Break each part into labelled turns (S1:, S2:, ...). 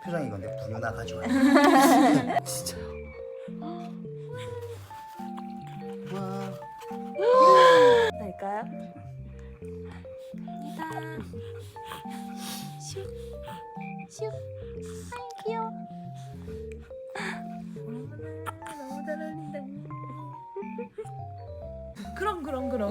S1: 표정이 건데 부유나 가져와.
S2: 진짜요?
S1: 와.
S2: 갈까요? 이다. 슉. 슉. 아이 귀여워. 어머나 너무 잘 어울린다. 그럼.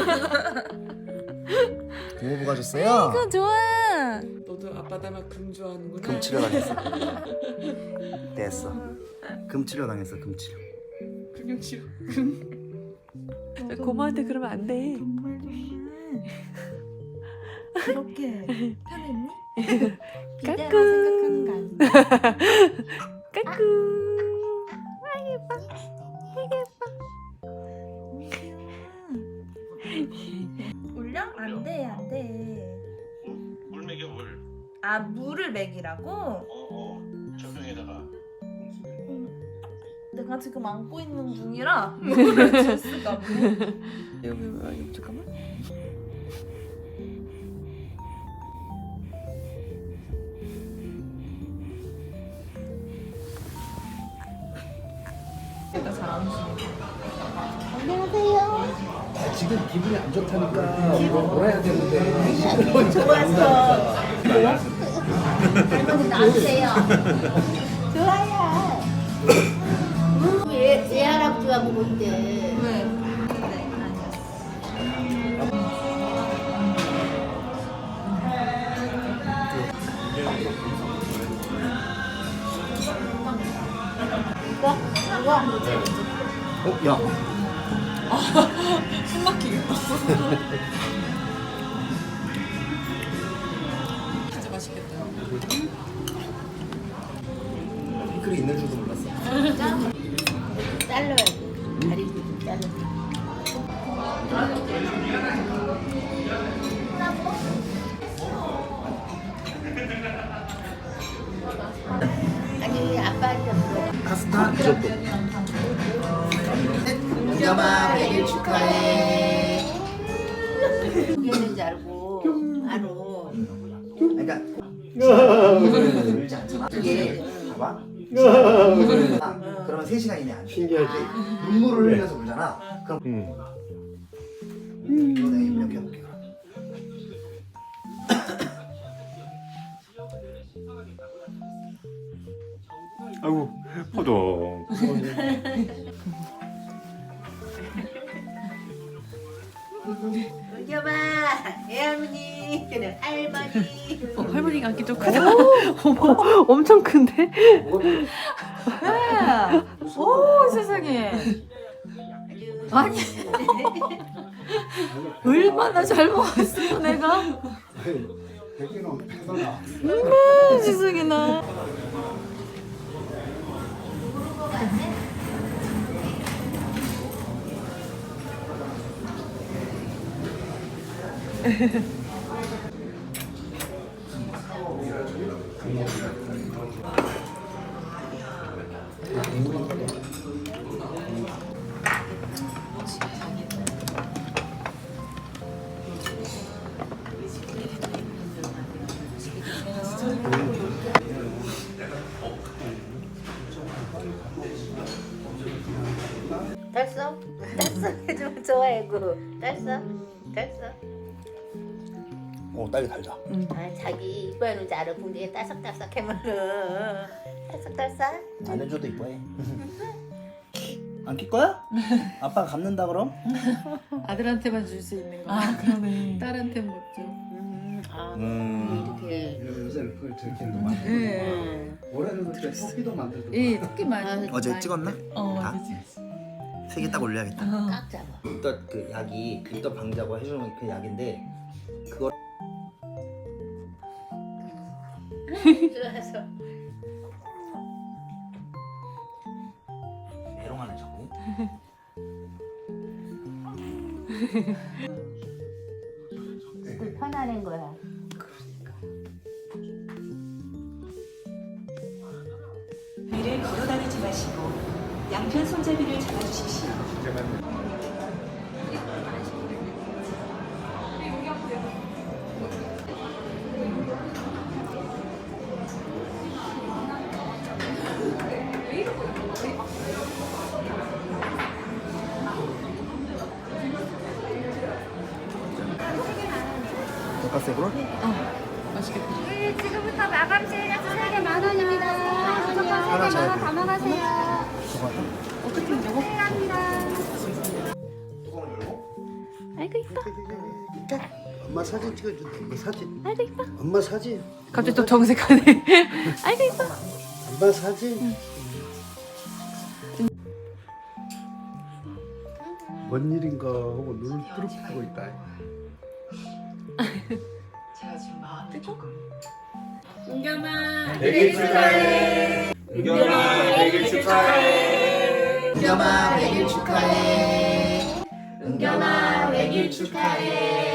S1: 고모부 가셨어요?
S2: 이거 좋아.
S3: 너도 아빠 닮아 금 좋아하는구나.
S1: 금치료 당했어. 됐어. 금치료 당했어. 금치료.
S3: 금융치료.
S2: 고모한테 그러면 안 돼.
S4: 그렇게 편했니?
S2: 까꿍.
S4: 비대라 생각하는 거 아니야?
S2: 까꿍. 아이 예뻐. 되게 예뻐.
S4: 울려? 안 돼.
S5: 물 먹여 물.
S4: 아 물을 먹이라고?
S5: 조명에다가.
S4: 내가 지금 안고 있는 중이라 물을 줄 수가 없네.
S2: 여기 잠깐만.
S1: 지금 기분이 안 좋다니까 뭐라 해야 되는데.
S4: 좋았어.
S6: 할머니 나오세요. 좋아요. 얘 할아버지가 보고 있대.
S4: 왜? 네, 아니었어.
S6: 이거? 이거?
S1: 야.
S3: 숨 막히겠다. 진짜 맛있겠다.
S1: 핑클이 있는 줄도 몰랐어.
S6: 잘라야 돼. 다리 좀 잘라. 아니 아빠한테 물어봐.
S1: 파스타 리조또. 은겸아 생일 축하해.
S6: 이게는 줄 알고 바로
S1: 그러니까 울지 않잖아. 이게 봐봐. 그러면 3시간 이내 안 돼.
S7: 신기하지?
S1: 눈물을 흘려서 울잖아. 그럼 이거 내가 입력해 볼게.
S7: 아이고 포동.
S6: 은겸아 애할머니 그래 할머니
S2: 할머니가 안기 좀 크다. 어머, 엄청 큰데?
S4: 오 세상에.
S2: 아니. 얼마나 잘 먹었어 내가.
S7: 백기는 패서나.
S2: 세상에 나.
S6: 됐어? 됐어 해주면 좋아하고 됐어? 됐어?
S1: 딸기 달자.
S6: 아, 자기 이뻐하는 줄 알아. 근데 따삭따삭 하면은 따삭따삭
S1: 안 해줘도 이뻐해. 안 낄 거야? 아빠가 갚는다 그럼?
S2: 아들한테만 줄 수 있는 거.
S3: 아 그러네.
S2: 딸한테 못 줘.
S6: 이렇게
S7: 요새 그걸 저렇게 많이.
S2: 네.
S7: 올해는 토끼도 만들고.
S2: 예, 특히 많이.
S1: 어제 찍었나?
S3: 어
S1: 다?
S3: 맞지.
S1: 3개 딱 올려야겠다.
S6: 깍 잡아.
S1: 일단 그 약이 긁떡 방자고 해주는 그 약인데 그거
S6: 들어가서
S1: 메롱하네 자꾸.
S6: 편안한 거야.
S8: 위를 걸어다니지 마시고 양편 손잡이를 잡아주십시오.
S1: 색으로?
S3: 맛있겠다.
S9: 지금부터 마감 세일해서 3개 만 원입니다. 무조건
S1: 하나
S9: 3개
S1: 사야
S9: 만원
S1: 돼.
S9: 담아가세요.
S1: 저거
S2: 어떻게 먹어?
S9: 세일합니다.
S2: 아이고 이뻐.
S7: 엄마 사진 찍어준다. 엄마 사진.
S2: 아이고 이뻐.
S7: 엄마 사진.
S2: 갑자기 또 정색하네. 아이고 이뻐.
S7: 엄마 사진. 뭔 일인가 하고 눈을 뚫고 있다.
S3: 은겸아.
S1: 생일 축하해. 은겸아 생일 축하해. 은겸아 생일 축하해. 은겸아 생일 축하해.